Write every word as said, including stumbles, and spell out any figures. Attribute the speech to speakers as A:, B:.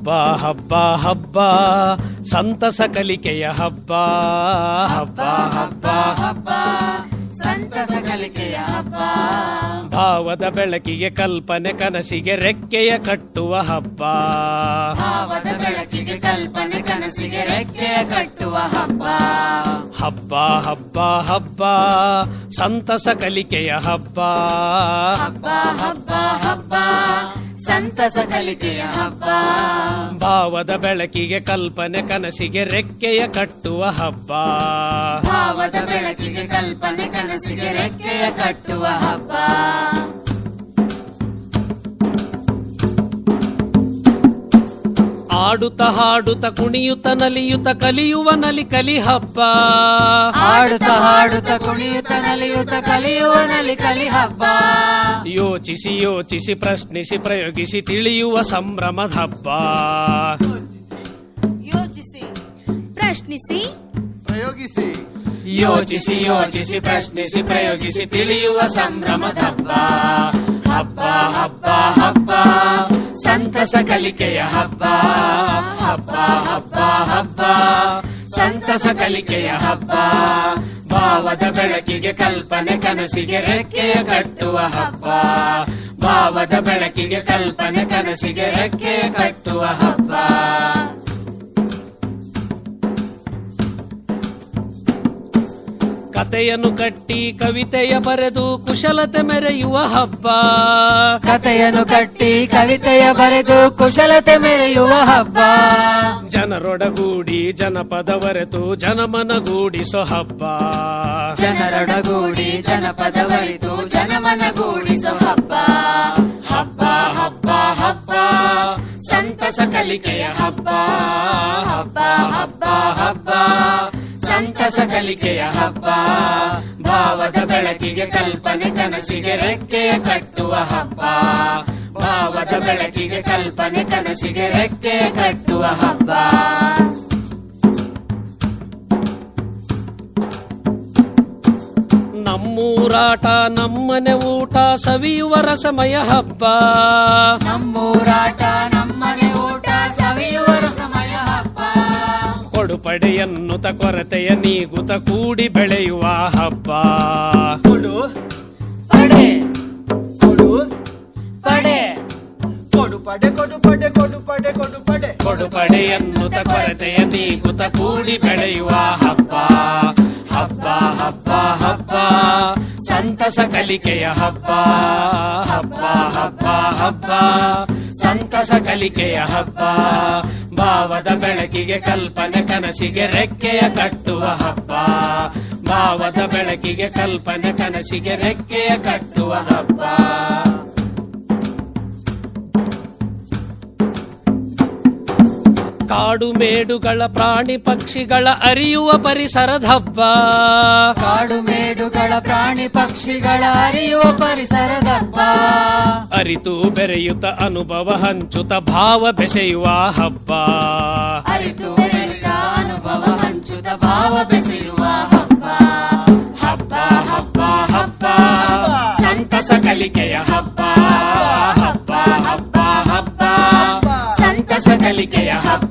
A: ಹಬ್ಬ ಹಬ್ಬ ಹಬ್ಬ ಸಂತಸ ಕಲಿಕೆಯ ಹಬ್ಬ ಹಬ್ಬ ಹಬ್ಬ ಹಬ್ಬ
B: ಸಂತಸ ಕಲಿಕೆಯ ಹಬ್ಬ
A: ಭಾವದ ಬೆಳಕಿಗೆ ಕಲ್ಪನೆ ಕನಸಿಗೆ ರೆಕ್ಕೆಯ ಕಟ್ಟುವ ಹಬ್ಬ
B: ಭಾವದ ಬೆಳಕಿಗೆ ಕಲ್ಪನೆ ಕನಸಿಗೆ ರೆಕ್ಕೆಯ ಕಟ್ಟುವ ಹಬ್ಬ
A: ಹಬ್ಬ ಹಬ್ಬ ಹಬ್ಬ ಸಂತಸ ಕಲಿಕೆಯ ಹಬ್ಬ
B: ಹಬ್ಬ ಹಬ್ಬ ಹಬ್ಬ ಸಂತಸ ಕಲಿಕೆಯ ಹಬ್ಬ
A: ಭಾವದ ಬೆಳಕಿಗೆ ಕಲ್ಪನೆ ಕನಸಿಗೆ ರೆಕ್ಕೆಯ ಕಟ್ಟುವ ಹಬ್ಬ
B: ಭಾವದ ಬೆಳಕಿಗೆ ಕಲ್ಪನೆ ಕನಸಿಗೆ ರೆಕ್ಕೆಯ ಕಟ್ಟುವ ಹಬ್ಬ
A: ಆಡುತ್ತ ಹಾಡುತ್ತ ಕುಣಿಯುತ್ತ ನಲಿಯುತ್ತ ಕಲಿಯುವ ನಲಿ ಕಲಿ ಹಬ್ಬ
B: ಆಡುತ್ತ ಹಾಡುತ್ತ ಕುಣಿಯುತ್ತ ನಲಿಯುತ್ತ ಕಲಿಯುವ ನಲಿ ಕಲಿ ಹಬ್ಬ
A: ಯೋಚಿಸಿ ಯೋಚಿಸಿ ಪ್ರಶ್ನಿಸಿ ಪ್ರಯೋಗಿಸಿ ತಿಳಿಯುವ ಸಂಭ್ರಮದ ಹಬ್ಬ
C: ಯೋಚಿಸಿ ಪ್ರಶ್ನಿಸಿ
D: ಪ್ರಯೋಗಿಸಿ
B: ಯೋಚಿಸಿ ಯೋಚಿಸಿ ಪ್ರಶ್ನಿಸಿ ಪ್ರಯೋಗಿಸಿ ತಿಳಿಯುವ ಸಂಭ್ರಮದ ಹಬ್ಬ ಹಬ್ಬ ಹಬ್ಬ ಹಬ್ಬ ಸಂತಸ ಕಲಿಕೆಯ ಹಬ್ಬ ಹಬ್ಬ ಹಬ್ಬ ಹಬ್ಬ ಸಂತಸ ಕಲಿಕೆಯ ಹಬ್ಬ ಭಾವದ ಬೆಳಕಿಗೆ ಕಲ್ಪನೆ ಕನಸಿಗೆ ರೆಕ್ಕೆಯ ಕಟ್ಟುವ ಹಬ್ಬ ಭಾವದ ಬೆಳಕಿಗೆ ಕಲ್ಪನೆ ಕನಸಿಗೆ ರೆಕ್ಕೆಯ ಕಟ್ಟುವ ಹಬ್ಬ
A: ಕತೆಯನ್ನು ಕಟ್ಟಿ ಕವಿತೆಯ ಬರೆದು ಕುಶಲತೆ ಮೆರೆಯುವ ಹಬ್ಬ
B: ಕತೆಯನ್ನು ಕಟ್ಟಿ ಕವಿತೆಯ ಬರೆದು ಕುಶಲತೆ ಮೆರೆಯುವ ಹಬ್ಬ
A: ಜನರೊಡಗೂಡಿ ಜನಪದವರೆತು ಜನಮನಗೂಡಿಸೋ ಹಬ್ಬ
B: ಜನರೊಡಗೂಡಿ ಜನಪದವರಿತು ಜನಮನಗೂಡಿಸೋ ಹಬ್ಬ ಹಬ್ಬ ಹಬ್ಬ ಹಬ್ಬ ಸಂತಸ ಕಲಿಕೆಯ ಹಬ್ಬ ಹಬ್ಬ ಹಬ್ಬ ಹಬ್ಬ ಸಂತಸ ಕಲಿಕೆಯ ಹಬ್ಬ ಭಾವದ ಬೆಳಕಿಗೆ ಕಲ್ಪನೆ ಕನಸಿಗೆ ರೆಕ್ಕೆಯ ಕಟ್ಟುವ ಹಬ್ಬ ಭಾವದ ಬೆಳಕಿಗೆ ಕಲ್ಪನೆ ಕನಸಿಗೆ ರೆಕ್ಕೆಯ ಕಟ್ಟುವ ಹಬ್ಬ
A: ನಮ್ಮೂರಾಟ ನಮ್ಮನೆ ಊಟ ಸವಿಯುವ ರಸಮಯ ಹಬ್ಬ
B: ನಮ್ಮೂರಾಟ ನಮ್ಮನೆ ಊಟ ಸವಿಯುವ ರಸಮಯ ಹಬ್ಬ
A: ಕೊಡುಪಡೆ ಎನ್ನುತ್ತ ಕೊರತೆಯ ನೀಗುತ್ತ ಕೂಡಿ ಬೆಳೆಯುವ ಹಬ್ಬ
D: ಕೊಡು
B: ಪಡೆ
D: ಕೊಡು
B: ಪಡೆ
D: ಕೊಡು ಪಡೆ ಕೊಡು ಪಡೆ ಕೊಡು ಪಡೆ ಕೊಡು ಪಡೆ
A: ಕೊಡುಪಡೆ ಎನ್ನುತ್ತ ಕೊರತೆಯ ನೀಗುತ್ತ ಕೂಡಿ ಬೆಳೆಯುವ ಹಬ್ಬ ಹಬ್ಬ ಹಬ್ಬ ಹಬ್ಬ ಸಂತಸ ಕಲಿಕೆಯ ಹಬ್ಬ ಹಬ್ಬ ಹಬ್ಬ ಹಬ್ಬ ಸಂತಸ ಕಲಿಕೆಯ ಹಬ್ಬ ಭಾವದ ಬೆಳಕಿಗೆ ಕಲ್ಪನೆ ಕನಸಿಗೆ ರೆಕ್ಕೆಯ ಕಟ್ಟುವ ಹಬ್ಬ ಭಾವದ ಬೆಳಕಿಗೆ ಕಲ್ಪನೆ ಕನಸಿಗೆ ರೆಕ್ಕೆಯ ಕಟ್ಟುವ ಹಬ್ಬ ಕಾಡು ಮೇಡುಗಳ ಪ್ರಾಣಿ ಪಕ್ಷಿಗಳ ಅರಿಯುವ ಪರಿಸರದ ಹಬ್ಬ
B: ಕಾಡು ಮೇಡುಗಳ ಪ್ರಾಣಿ ಪಕ್ಷಿಗಳ ಅರಿಯುವ ಪರಿಸರದ ಹಬ್ಬ
A: ಅರಿತು ಬೆರೆಯುತ್ತ ಅನುಭವ ಹಂಚುತ್ತ ಭಾವ ಬೆಸೆಯುವ ಹಬ್ಬ
B: ಅರಿತು ಬೆರೆತ ಅನುಭವ ಹಂಚುತ್ತ ಭಾವ ಬೆಸೆಯುವ ಹಬ್ಬ ಹಬ್ಬ ಹಬ್ಬ ಹಬ್ಬ ಸಂತಸ ಕಲಿಕೆಯ ಹಬ್ಬ ಹಬ್ಬ ಹಬ್ಬ ಹಬ್ಬ ಸಂತಸ ಕಲಿಕೆಯ ಹಬ್ಬ